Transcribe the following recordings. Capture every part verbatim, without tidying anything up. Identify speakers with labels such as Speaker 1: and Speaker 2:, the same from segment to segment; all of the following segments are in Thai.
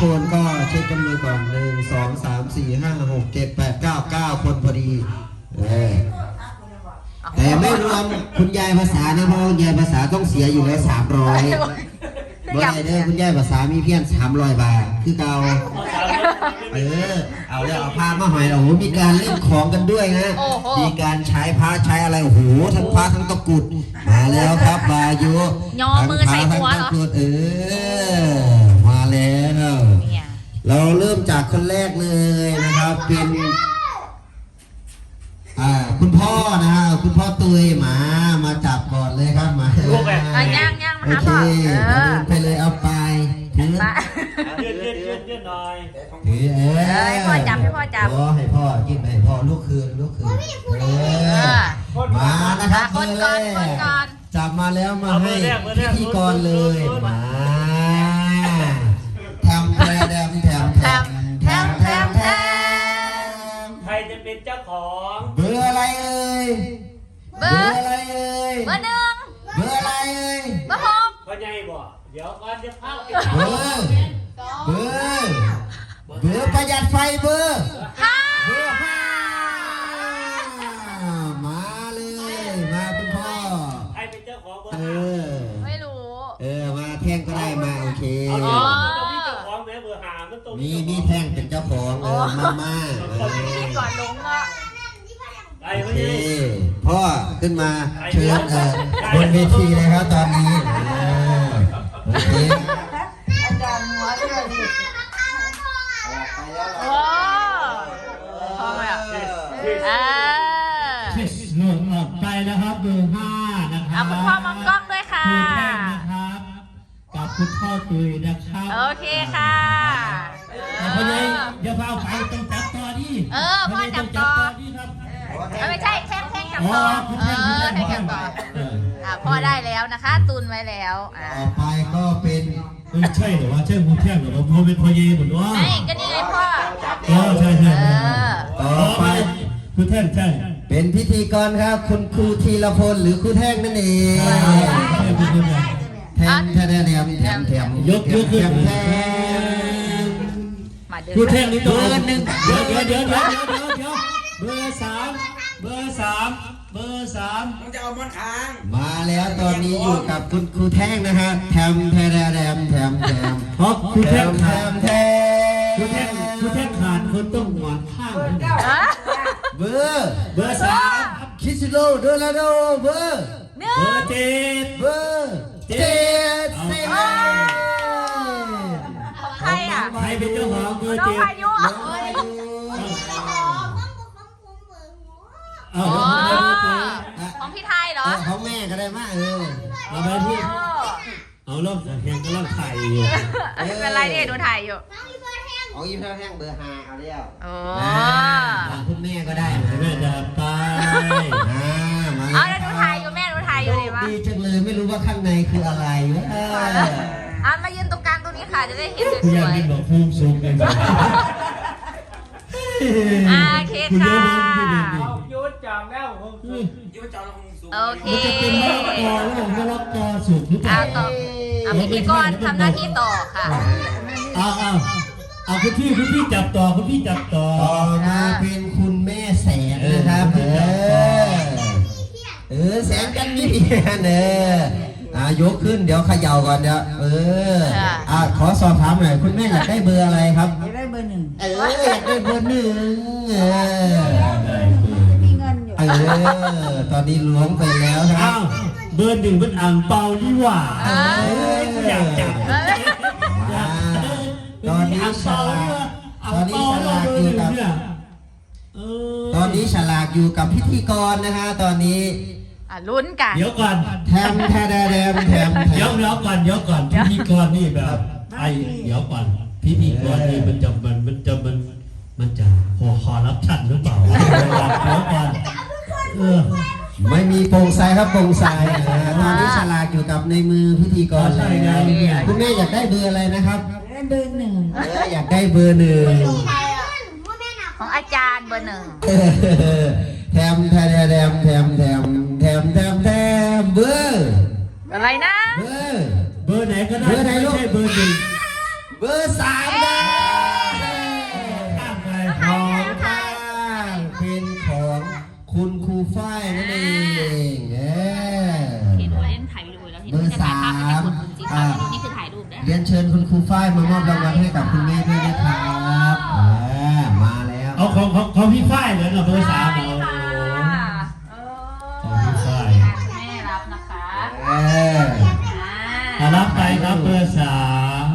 Speaker 1: คนก็เช็คจำนวนก่อนหนึ่งสองสามสี่ห้าหกเจ็ดแปดเก้าเก้าคนพอดีแต่ไม่รวมคุณยายภาษานะเพราะคุณยายภาษาต้องเสียอยู่แล้วสามร้อยเมื่อไรเด้อคุณยายภาษามีเพียงสามร้อยบาทคือเก่าเออเอาแล้วเอาผ้ามาหอยโอ้โหมีการเล่นของกันด้วยนะมีการใช้พระใช้อะไรโอ้โหทั้งพระทั้งตะกุดมาแล้วครับบายุ
Speaker 2: ทั้งพระทั้งตะกุด
Speaker 1: เออมาแล้วเราเริ่มจากคนแรกเลยนะครับเป็นอ่าคุณพ่อนะฮะคุณพ่อตุยหมามาจับก่อนเลยครับมา
Speaker 2: ย่างย่างมา
Speaker 1: โอเคไปเลยเอาไปถือ
Speaker 3: ยืดยืดยืดยืดหน่อย
Speaker 1: ถือเออ
Speaker 2: ให้พ่อจับให้พ่อจับ
Speaker 1: ให้พ่อกินให้พ่อลูกคืนลูกคืนเออมานะครับ
Speaker 2: คนก่อนคนก่อน
Speaker 1: จับมาแล้วมาให้พิธีกรเลยมาทำแทมแทมแทมแทมแทมแทมแทม
Speaker 3: ใครจะเป็นเจ้าของ
Speaker 1: เบอร์อะไรเอ่ยเบอร์อะไรเอ่ย
Speaker 2: เบอร์หนึ่ง
Speaker 1: เบอร์อะไรเอ่ย
Speaker 2: เบอร์หก
Speaker 3: พ่อใหญ่บ่เดี๋ยวก่อนจะเข้า
Speaker 1: เบอร์เบอร์เบอร์ประหยัดไฟเบอร์
Speaker 2: ห้า
Speaker 1: เบอร์ห้ามาเลยมาคุณพ่อ
Speaker 3: ใครเป็นเจ้าของเบอร์
Speaker 1: เออ
Speaker 2: ไม่รู้
Speaker 1: เออมาแท่งก็ได้มาโอเค
Speaker 3: อ๋อมีเจ้าของแม่เบอร์ห้ามันตรง
Speaker 1: มีมีแท่งเป็นเจ้าของเออมามา
Speaker 2: ที่ก่อนลงอ่ะ
Speaker 1: โอเคพ่อขึ้นมาเชิญเออบนเวทีเลยครับตอนนี้โอเค
Speaker 2: อาจารย์หัวด้วยดิโอ้พอไหมอ่ะอ่า
Speaker 4: หนึ่งออกไปนะครับเบอร์ห้านะครับ
Speaker 2: คุณพ่อมองกล้องด้วยค่ะ
Speaker 4: นะครับกับคุณพ่อตุยนะครับ
Speaker 2: โอเคค่ะ
Speaker 4: พ่อใหญ่เดี๋ยวพ่อไปต้องจับต่อดิ
Speaker 2: เออพ่อจับต่อไม่ใช่แท่งแท่งจับต่อเออแท่งจับต่ออ่าพ่อได้แล้วนะคะตุนไว้แล้ว
Speaker 1: ต่อไปก็เป็น
Speaker 4: ไม่ใช่หรอว่าใช่คุณแท่งหรอว่าพ่อเป็นพ่อเย่หมดว่า
Speaker 2: ไม่ก็นี่ไงพ่อ
Speaker 4: เออใช่ใช่
Speaker 1: ต่อไป
Speaker 4: คุณแท่งใช่
Speaker 1: เป็นพิธีกรครับคุณครูธีรพลหรือครูแท่งนั่นเองแทมแทมแทมแทมแทม
Speaker 4: ยกยกขึ้นแทมครูแท่งนี่ตัวหนึ่งเดี๋ยวเดี๋ยวเดี๋ยวเดี๋ยวเดี๋ยวเดี๋ยวเบอร์สามเบอร์สามเบอร์สาม
Speaker 3: ต้องจะเอามันค้าง
Speaker 1: มาแล้วตอนนี้อยู่กับคุณครูแท่งนะฮะแทมแทมแทมแทมแทม
Speaker 4: เพราะครูแท่ง
Speaker 1: แทมแทม
Speaker 4: ครูแท่งครูแท่งขาดคนต้องหมอนข้าง
Speaker 1: เบอร์
Speaker 4: เบอร์สาม
Speaker 1: คิซิโลโดราโดเบอร์
Speaker 4: เบอร์เจ็ด
Speaker 1: เบอร์เจ็ดสิบ
Speaker 2: ใครอ่ะ
Speaker 4: ใครเป็นเจ้าของเบอร์เจ็ด
Speaker 2: น้องพายุอ๋อของพี่ไทยเหรอ
Speaker 1: ของแม่ก็ได้มากเออ
Speaker 4: เอาไปพี่เอาล่มสังเกตก็ล่มไข่อยู่
Speaker 2: ไม่เป็นไรเนี่ยดูถ่ายอยู่
Speaker 1: เอายิ้มเท่าแห้งเบอร์ห้าเอาเรียว
Speaker 2: โอ้
Speaker 1: คุณแม่ก็ได้
Speaker 4: แม่จะไป
Speaker 2: เอาแล้วดูถ่ายอยู่แม่ดูถ่ายอยู่ดีวะ
Speaker 1: ดีจังเลยไม่รู้ว่าข้างในคืออะไรวะ
Speaker 2: อ่ะมายืนตรงกลางตรงนี้ค่ะจะได้เห็นสวยๆ
Speaker 4: อยากเป็นบอกภูมิสูงกัน
Speaker 2: โอเคค่ะ
Speaker 3: ยุดจำแล้วผมยุดจำแล้วผมสูง
Speaker 2: โอเค
Speaker 4: มันจะเป็นมะละกอแล้วมะละกอสุกหรือเปล่า
Speaker 2: ต่อเอาพิธีกรทำหน้าที่ต่อค่ะ
Speaker 4: เอาเอาเอาคุณพี่คุณพี่จับต่อคุณพี่จับต่อ
Speaker 1: ต่อมาเป็นคุณแม่แสงนะครับเออเออแสงกันนี่เนออ่ายกขึ้นเดี๋ยวเขย่าก่อนเดี๋ยวเอออ่าขอสอบถามหน่อยคุณแม่อยากได้เบอร์อะไรครับ
Speaker 5: อยากได้เบอร์หนึ่ง
Speaker 1: เอออยากได้เบอร์หนึ่งเออ
Speaker 5: มีเงินอยู่
Speaker 1: เออตอนนี้ล้วงไปแล้วครับ
Speaker 4: เบอร์หนึ่งเป็นอ่างเปาดีกว่าอยากจับ
Speaker 1: ตอนนี้ฉลากตอนนี้ฉลากอยู่กับตอนนี้ฉลากอยู่กับพิธีกรนะฮะตอนนี้
Speaker 2: ลุ้นกัน
Speaker 4: เดี๋ยวก่อน
Speaker 1: แทมแทมแทมแทม
Speaker 4: เดี๋ยวเดี๋ยวก่อนเดี๋ยวก่อนพิธีกรนี่แบบไอเดี๋ยวก่อนพิธีกรนี่มันจะมันมันจะมันมันจะขอขอรับชันหรือเปล่าเดี๋ยวก่อนเออ
Speaker 1: ไม่มีโปร่งใสครับโปร่งใสตอนนี้ฉลากอยู่กับในมือพิธีกรเลยคุณแม่อยากได้เบอร์อะไรนะครับ
Speaker 5: เบอร์หนึ่ง
Speaker 1: อยากได้เบอร์หนึ่ง
Speaker 2: ของอาจารย์เบอร์หนึ่ง
Speaker 1: แทมแทมแทมแทมแทมแทมแทมแทมเบอร์
Speaker 2: อะไรนะ
Speaker 1: เบอร์
Speaker 4: เบอร์ไหนก็ได้ไม่ใช่เบอร์หนึ่ง
Speaker 1: เบอร์สามได้ฝ้ายมามอบรางวัลให้กับคุณแม่ด้วยนะครับอ่ามาแล้ว
Speaker 4: เอาของของของพี่ฝ้ายเหรอเนาะเบอร์สามเหรอ
Speaker 2: ของพี่ฝ้ายแม่รับนะคะ
Speaker 1: เออ
Speaker 4: อ่ารับไปครับเบอร์สาม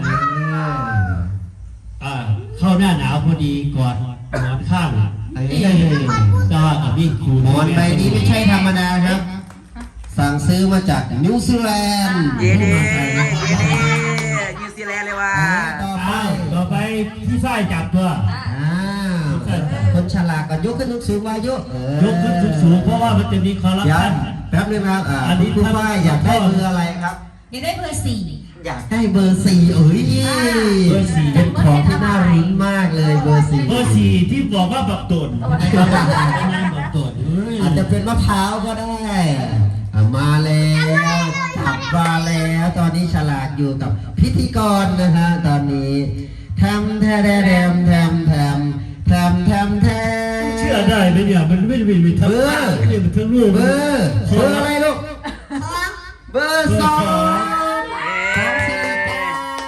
Speaker 4: อ่าเข้าหน้าหนาวพอดีกอดหมอนข้าง
Speaker 1: เอ้ย
Speaker 4: ก็กับพี่ครู
Speaker 1: หมอนใบนี้ไม่ใช่ธรรมดาครับ สั่งซื้อมาจากนิวซีแลนด์
Speaker 6: เย้เด้เย้เด้นิวซีแลนด์เลยว่ะ
Speaker 1: ต่อไป
Speaker 4: อ้าวต่อไปพี่ฝ้ายจับตัว
Speaker 1: อ่าคนฉลาดก็ยกขึ้นสูงๆวายุเออย
Speaker 4: กขึ้นสูงๆเพราะว่ามันจะมีคอร์รัป
Speaker 1: เดี๋ยว
Speaker 4: ชัน
Speaker 1: แป๊บนึงครับอ่า
Speaker 4: อันนี้
Speaker 1: คุณฝ้ายอยากได้เบอร์อะไรครับ
Speaker 5: อยากได้เบอร์สี่
Speaker 1: อยากได้เบอร์สี่เอ้ย
Speaker 4: เบอร์สี่
Speaker 1: เป็นของที่น่ารุ้นมากเลยเบอร์สี่
Speaker 4: เบอร์สี่ที่บอกว่าบักตนบักตน
Speaker 1: อาจจะเป็นมะพร้าวก็ได้อ่ะมาแล้วขับมาแล้วตอนนี้ฉลาดอยู่กับพิธีกรนะฮะตอนนี้ทำแทแทแทมแทมแทมแทมแทมแทม
Speaker 4: เชื่อได้ไหมเนี่ยมันไม่ได้มีทั้งไม่ได้มีทั้งลูก
Speaker 1: เบอร์เบอร์อะไรลูกเบอร์สองของสิริการ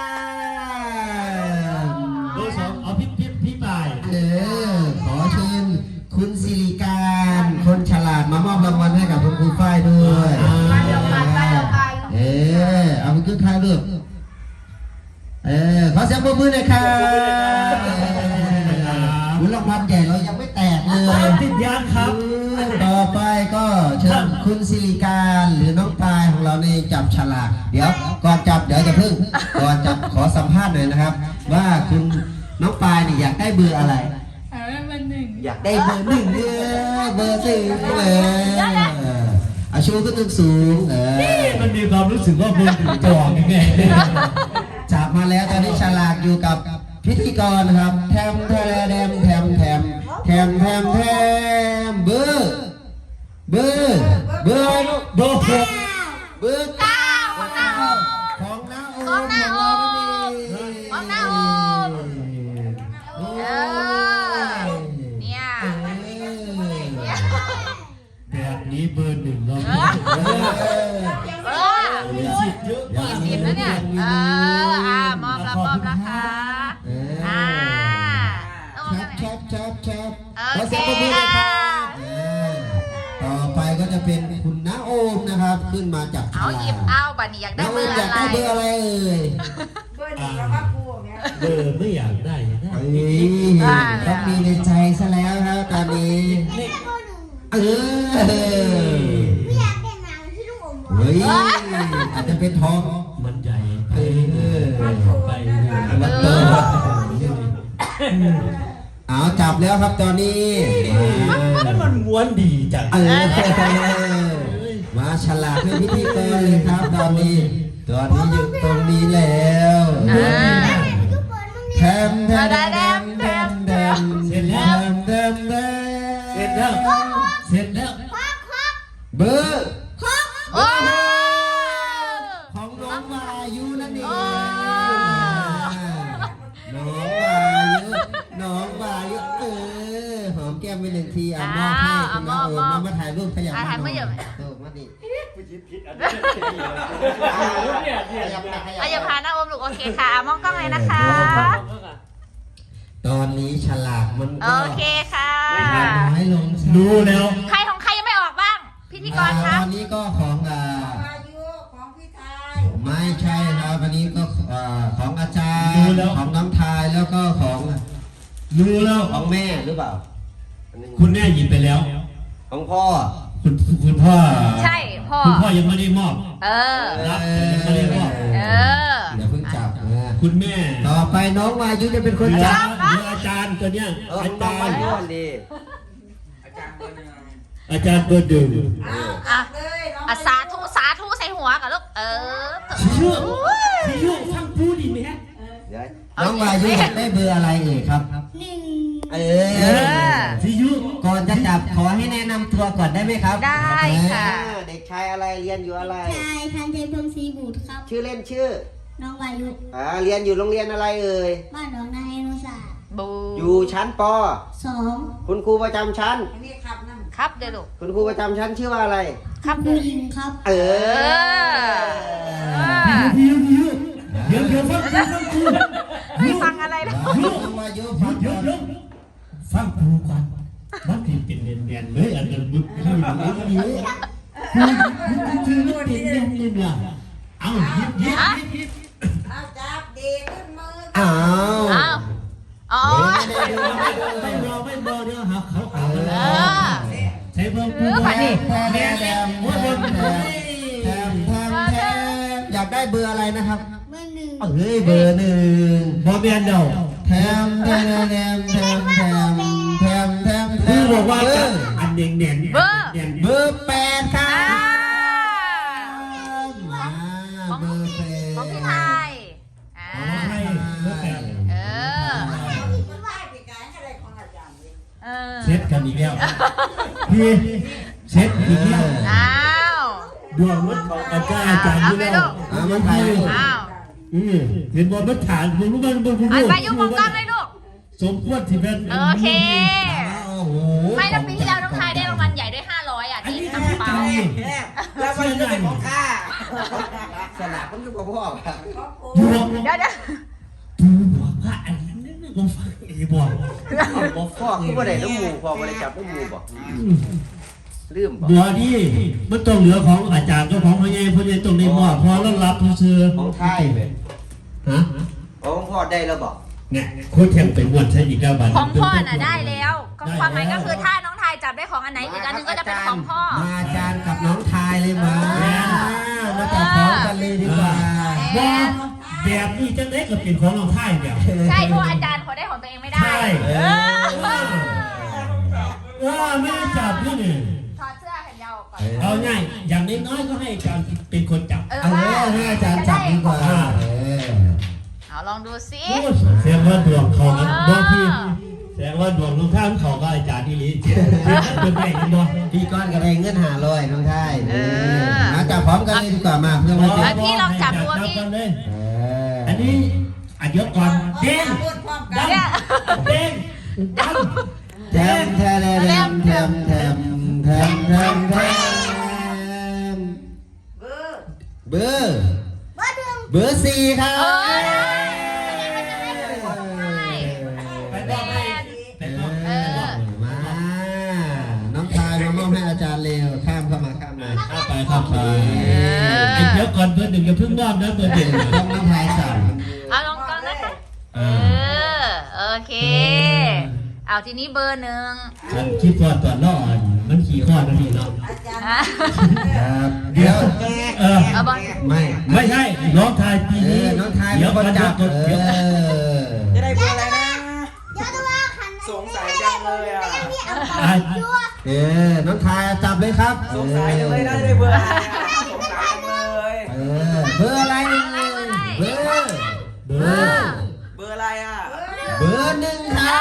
Speaker 4: เบอร์สองเอาพี่พี่พี่ปาย
Speaker 1: เออขอเชิญคุณสิริการคนฉลาดมามอบรางวัลให้กับคุณครูฝ้ายด้วยเออเอาไปขึ้นท้ายลูกเออขอเสียงปรบมือหน่อยครับคุณรางวัลใหญ่เรายังไม่แตกเลย
Speaker 4: ติดยานครับ
Speaker 1: ต่อไปก็เชิญคุณสิริการหรือน้องปายของเราในจับฉลากเดี๋ยวก่อนจับเดี๋ยวจะพึ่งก่อนจับขอสัมภาษณ์หน่อยนะครับ ว่าคุณน้องปายนี่อยากได้เบอร์อะไร อยากได้เบอร์หนึ่งเออเบอร์สี่เลยอาชูก็ตึกสูงเออ
Speaker 4: มันมีความรู้สึกว่าเบอร์ถึงจองยังไง
Speaker 1: จับมาแล้วตอนนี้ฉลากอยู่กับพิธีกรนะครับแทมแทมแทมแทมแทมแทมแทมเบอร์เบอร์เบอร์ลูก
Speaker 4: เบอร์หก
Speaker 1: เบอร์เก้าของน้าโอมของน้าโอม
Speaker 2: ของน้าโอม เออเนี่ย
Speaker 4: แบบนี้เบอร์หนึ่งเรา
Speaker 2: เออ
Speaker 4: มีสิทธิ์เยอะมาก
Speaker 2: สิบแล้วเนี่ย เออ อ่ามอบรับมอบนะคะ อ่า
Speaker 1: ชับชับชับชับ
Speaker 2: โอเค
Speaker 1: ขอเสียงปรบมือเลยครับเออต่อไปก็จะเป็นคุณน้าโอมนะครับ ขึ้นมาจาก
Speaker 2: เอาหยิบเอาบัตรนี้อยากได้
Speaker 1: น้าโอ
Speaker 2: เบอ
Speaker 1: ม
Speaker 2: ร์
Speaker 1: อยาก
Speaker 2: อะไร
Speaker 1: ได้เบอร์อะไรเอ่ย
Speaker 5: เบอร์หนึ่งแล้วก็กูเนี่ย
Speaker 4: เบอร์ไม่อยากได้นะ
Speaker 1: เอ้ยต้องมีในใจซะแล้วครับตอนนี้เออ
Speaker 7: ไม่อยากเป็นหนังที่ลูกอม
Speaker 1: เฮ้ยอาจจะเป็นทอง
Speaker 4: มันใหญ่ไป
Speaker 1: เออ
Speaker 4: ไป
Speaker 1: มันโตเอาจับแล้วครับตอนนี้
Speaker 4: แล้วมันม้วนดีจัง
Speaker 1: เออมาฉลาดเป็นพิธีกรเลยครับตอนนี้ตอนนี้อยู่ตรงนี้แล้ว
Speaker 2: อ่า
Speaker 1: แทมแทมแทมแทมแทม
Speaker 4: เสร็จ
Speaker 1: แท
Speaker 4: แล้ว
Speaker 1: มแทมแทม
Speaker 4: เสร็จแล้วเสร็จแล้ว
Speaker 1: เบอร์
Speaker 2: โอ้
Speaker 1: ของน้องวายุนั่นเอง
Speaker 2: โอ้
Speaker 1: น้องวายุน้องวายุเออหอมแก้มไปหนึ่งทีอ่ะมอบให้คุณน้าโอมมาถ่ายรูปขยับ
Speaker 2: อ่ะถ่ายเมื่อเยอะ
Speaker 1: เออมาดิ
Speaker 3: เนี่ยเนี่ย
Speaker 1: ขยับไปขยับ
Speaker 2: อ่ะอย่าพาหน้าอมลูกโอเคค่ะ มองกล้องเลยนะคะ
Speaker 1: ตอนนี้ฉลากมัน
Speaker 2: โอ
Speaker 1: ก็
Speaker 2: เคค่ะ
Speaker 1: น้อยลง
Speaker 4: ดูแล้ว
Speaker 2: ใครของใครยังไม่ออกบ้าง พิธีกรค
Speaker 1: อ่า
Speaker 2: รับ
Speaker 1: วันนี้ก็ของอ่า
Speaker 5: อายุของพี่ไทย
Speaker 1: ไม่ใช่ครับวันนี้ก็อ่าของอาจารย์ของน้องทายแล้วก็ของ
Speaker 4: ดูแล้ว
Speaker 1: ของแม่หรือเปล่าอันหนึ่ง
Speaker 4: คุณแม่หยิบไปแล้ว
Speaker 1: ของพ่อ
Speaker 4: คุณคุณพ่อ
Speaker 2: ใช่พ่อ
Speaker 4: คุณพ่อยังไม่ได้มอบ
Speaker 2: เออ
Speaker 4: รับแต่ยังไม่ได้มอบ
Speaker 2: เออ
Speaker 1: เดี๋ยวเพิ่งจับนะ
Speaker 4: คุณแม่
Speaker 1: ต่อไปน้องวายุจะเป็นคน
Speaker 4: เหลือ
Speaker 1: จับ
Speaker 4: เหลืออาจารย์ตัวเนี้ยอาจารย์
Speaker 1: ดี
Speaker 4: อาจารย์เบอร์ดึง
Speaker 2: อ่ะ
Speaker 5: เลยน้อง
Speaker 2: อ่ะสาธุสาธุใส่หัวกับลูก เออ
Speaker 4: ชิยุชิยุทั้งพูดดีไหม
Speaker 1: เดี๋ยวน้องวายุอยากได้เบอร์อะไรเอ่ยครับ
Speaker 7: หนึ่ง
Speaker 1: เอ
Speaker 2: เอ
Speaker 1: อ
Speaker 2: อ
Speaker 4: ชิยุ
Speaker 1: ก่อนจะจับขอให้แนะนำตัวก่อนได้ไหมครับ
Speaker 2: ได้ค่ะ
Speaker 1: อ่าเด็กชายอะไรเรียนอยู่อะไร
Speaker 7: ชายทันใจพงศรีบุตรครับ
Speaker 1: ชื่อเล่นชื่อ
Speaker 7: น้องวายุ
Speaker 1: อ่าเรียนอยู่โรงเรียนอะไรเอ่ย
Speaker 7: บ้านหนองนาให้นุศาสตร์
Speaker 2: บู
Speaker 1: อยู่ชั้นป
Speaker 7: สอง
Speaker 1: คุณครูประจำชั้น
Speaker 5: อันนี้ขับนั่ง
Speaker 2: ครับเดี๋ยวลูก
Speaker 1: คุณครูประจำชั้นชื่อว่าอะไร
Speaker 2: ครับ
Speaker 7: ผู้หญิงครับ
Speaker 1: เอ
Speaker 2: เอ
Speaker 1: อ
Speaker 2: อ
Speaker 4: ชิยุชิยุเดี๋ยวเดี๋ยวฟังกูฟังกู
Speaker 1: วายุ
Speaker 4: หยุดหยุดหยุดฟังครูก่อนมันผิดเป็นเนียนๆเลยอันนั้นมึงคือหนูก็ดีคือคือมันเป็นเนียนๆเนี่ยเอายิบยิบยิบยิบ
Speaker 5: เอาจับดีขึ้นมือ
Speaker 1: อ้าว
Speaker 2: อ้าวอ๋อ
Speaker 4: ไม่รอไม่รอเดี๋ยวหาเขาเอา
Speaker 2: เอ
Speaker 4: เลย
Speaker 2: อ
Speaker 4: ใช้เพิ่ม
Speaker 2: เออผ่านดิ
Speaker 1: แทมแทมแทมแทมแทมแทมแทมอยากได้เบอร์อะไรนะครับ
Speaker 7: เบอร์หนึ่ง
Speaker 1: เฮ้ยเบอร์หนึ่ง
Speaker 4: บอเบียนเดา
Speaker 1: แทมแทมแทมแทมแทมแทมแทมแท
Speaker 4: คือ
Speaker 1: ม
Speaker 4: บอกว่า
Speaker 1: เบอ
Speaker 4: จะ
Speaker 1: ร์
Speaker 4: อันเนียนเนียน
Speaker 2: เบอร์
Speaker 4: เนียน
Speaker 1: เบอร์แปดครั
Speaker 2: อ่า
Speaker 1: บมาเบอร์แปด
Speaker 2: ของพี่ไทยอ่า
Speaker 4: ให้เบอร์แปด
Speaker 2: เออ
Speaker 5: มันไหว้ปีกายอะไรของอาจารย์นี่
Speaker 2: เออ
Speaker 4: เซ็ตกันอีกแล้วพี่เซ็ตอีกแล้ว
Speaker 2: อ้าว
Speaker 4: ดวงมันอาจารย์อาจารย์ที่แล้ว
Speaker 1: อ่ามันไทย
Speaker 2: อ้าว
Speaker 4: อืมเห็นบอลมันฐานผมรู้มันบอลผม
Speaker 2: อัน
Speaker 4: รู้
Speaker 2: ไปยุ่งมองกล้องเลยลูก
Speaker 4: สมควรที่เป็น
Speaker 2: โอเค
Speaker 1: โอ้โห
Speaker 2: ไม่แล้วปีที่แล้วน้องไทยได้รางวัลใหญ่ด้วยห้าร้อยอ่ะที่ทำเปา
Speaker 6: แล้วมันจะเป็นของข้า
Speaker 1: สลากมันอยู่กับพ่อครับ
Speaker 4: อยู่
Speaker 2: เดี๋ยวเดี๋ยว
Speaker 4: ดูบอกว่าอันนั้นนึกว่าฟังเอบอก
Speaker 6: บอกพ่อคือบ่ได้น้ำมูพ่อบ่ได้จับน้ำมูบอกลืมบอก
Speaker 4: บัวนี่มันต้องเหลือของอาจารย์ก็ของพ่อใหญ่พ่อใหญ่ตรงในหม้อพอแล้วรับเชื่อ
Speaker 1: ของไทยเลย
Speaker 4: ฮะ
Speaker 6: ของพ่อได้แล้วบอก
Speaker 4: เนี่ยโค้ชแข่งเป็นวันใช่อีกแล้วบัน
Speaker 2: ของพ่อน่ะได้แล้วก็ความหมายก็คือถ้าน้องไทยจับได้ของอันไหนอีกอันหนึงก็จะเป็นของพ่อ
Speaker 1: มาอาจารย์กับน้องทายเลยมามาจับพร้อมกันเลยดีกว่า
Speaker 4: ว่าแบบนี้จังได้ก็เป็นของเราไทยเนี่ย
Speaker 2: ใช่เพราะอาจารย์เขาได้ของตัวเองไม่ได้
Speaker 4: ใช่
Speaker 2: เออ
Speaker 4: ว่าไม่ได้จับนี่นี่
Speaker 2: ถอดเสื้อแขนยาวออกก่อน
Speaker 4: เอาง่ายอย่างน้อยๆก็ให้อาจารย์เป็นคนจับ
Speaker 2: เออ
Speaker 1: เอาเลยให้อาจารย์จับดีกว่าเออ
Speaker 2: เอาลองดูสิ
Speaker 4: โอ้แสดงว่าดวงเขานะดวงพี่แสดงว่าดวงลุงท่านเขาก็อาจารย์ที่ลีเจ็ดเป็นไปกันบ่
Speaker 1: พี่ก้อนกับเองเงินหาลอยน้องไทยมาจับพร้อมกันเลยดีกว่ามาเพื่อมาเจอ
Speaker 2: พี่ลองจับดูพี่
Speaker 4: อันนี้อันเดียวก่อนเด้ง
Speaker 5: พูดพร้อมกัน
Speaker 2: เนี่ย
Speaker 4: เด้งดัง
Speaker 1: แทมแทมแทมแทมแทมแทมแทมแทม
Speaker 5: เบอร์
Speaker 1: เบอร์เบอร์สี่ครับ
Speaker 2: เออมันจะไม่ถูกของไทย
Speaker 4: ไปบอกให้ไปบอก
Speaker 2: เออ
Speaker 1: มาน้องทายมามอบให้อาจารย์เร็วข้ามเข้ามาข้ามมา
Speaker 4: เข้าไปเข้าไปไอ้เดี๋ยวก่อนเบอร์หนึ่งอย่าเพิ่งมอบนะเบอร์หนึ่ง
Speaker 1: ต้องน้องทายสั่ง
Speaker 2: เอาลองก่อนนะคะเออโอเค เอาทีนี้เบอร์หนึ่ง
Speaker 4: ฉันคิดว่าตัวล่อมันขี่ข้อนั่นนี่เนาะ
Speaker 5: อาจารย์
Speaker 2: อ่ะ
Speaker 1: ครับเดี๋ยว
Speaker 4: เออ
Speaker 2: เอาบอล
Speaker 1: ไม่
Speaker 4: ไม่ใช่น้องทายปี
Speaker 1: เอ
Speaker 4: นี้
Speaker 1: อน้องทาย
Speaker 4: เดี๋ยว
Speaker 1: ค
Speaker 4: ก่อน
Speaker 1: น
Speaker 4: เดี๋
Speaker 1: จั
Speaker 4: ยว
Speaker 1: บ
Speaker 4: ก่อน
Speaker 1: เอ
Speaker 4: เดี๋ยว
Speaker 1: อ
Speaker 6: จะได้เบอร์อะไรนะ
Speaker 7: เดี๋ยวดูว่าคัน
Speaker 6: สงสัยจังเลยอ่ะ
Speaker 7: พี่เอาไป
Speaker 4: อ่ะ
Speaker 1: เออน้องทายจับเลยครับ
Speaker 6: สงสัยจังเลยนะจะได้เบอร์อะไรอ่ะสงสัยจังเลย
Speaker 1: เออเบอร์อะไรเบอร์
Speaker 4: เบอร์
Speaker 6: เบอร์อะไรอ่ะ
Speaker 1: เบอร์หนึ่งครับ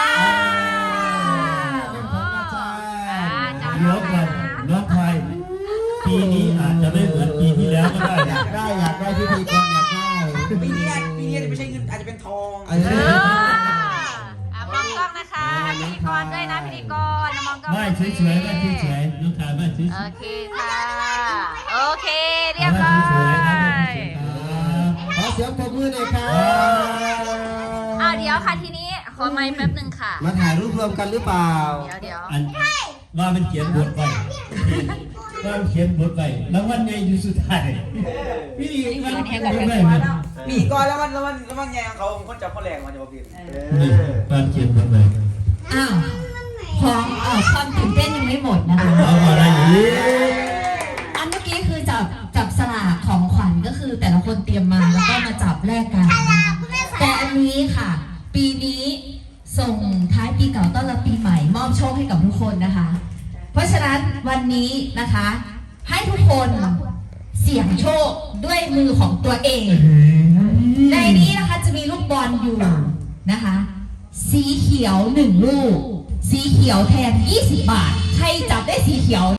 Speaker 4: เดี๋ยวก่อนน้องทายปีนี้อาจจะไม่เหมือนปีที่แล้วก็ได้
Speaker 1: อยากได้อยากได้พิธีกรอยากได้
Speaker 6: ปีนี้ปีนี้ไม่ใช่เงินอาจจะเป็นทอง
Speaker 1: เอ
Speaker 2: เอ
Speaker 1: อ
Speaker 2: ออ่ะมองกล้องนะคะพิธีกรด้วยนะพิธีกรมองกล้อง
Speaker 4: ไม่เฉยๆไม่เฉยๆน้องทายไม่เฉย
Speaker 2: โอ
Speaker 4: ๆ
Speaker 2: เคค่ะ โอเค เรียบร้อย
Speaker 1: ขอเสียงปรบมือหน่อยครับ
Speaker 2: เอาเดี๋ยวค่ะทีนี้ขอไม้แป๊บหนึ่งค่ะ
Speaker 1: มาถ่ายรูปรวมกันหรือเปล่า
Speaker 2: เดี๋ยวเดี๋ยว
Speaker 4: อันว่ามันเขียนบทไปว่ามันเขียนบทไปแล้ววันไงอยู่สุดท้ายพี่มันเขียนบทไปไหม
Speaker 6: ปีก่อนแล้วมันแล้วมันแล้วมันแย่งเขาคนจับคนแรงมันจะมาพิมพ์
Speaker 4: นี่มันเขียนบทไป
Speaker 8: อ้าวของเอ่อความตื่นเต้นยังไม่หมดนะคะ
Speaker 4: เอาอะไรอีก
Speaker 8: อันเมื่อกี้คือจับจับสลากของขวัญก็คือแต่ละคนเตรียมมาแล้วก็มาจับแลกกัน แต่อันนี้ค่ะ ปีนี้ส่งท้ายปีเก่าต้อนรับปีใหม่มอบโชคให้กับทุกคนนะคะ เพราะฉะนั้นวันนี้นะคะ ให้ทุกคนเสี่ยงโชคด้วยมือของตัวเอง ในนี้นะคะจะมีลูกบอลอยู่นะคะ สีเขียวหนึ่งลูก สีเขียวแทนยี่สิบบาท ใครจับได้สีเขียว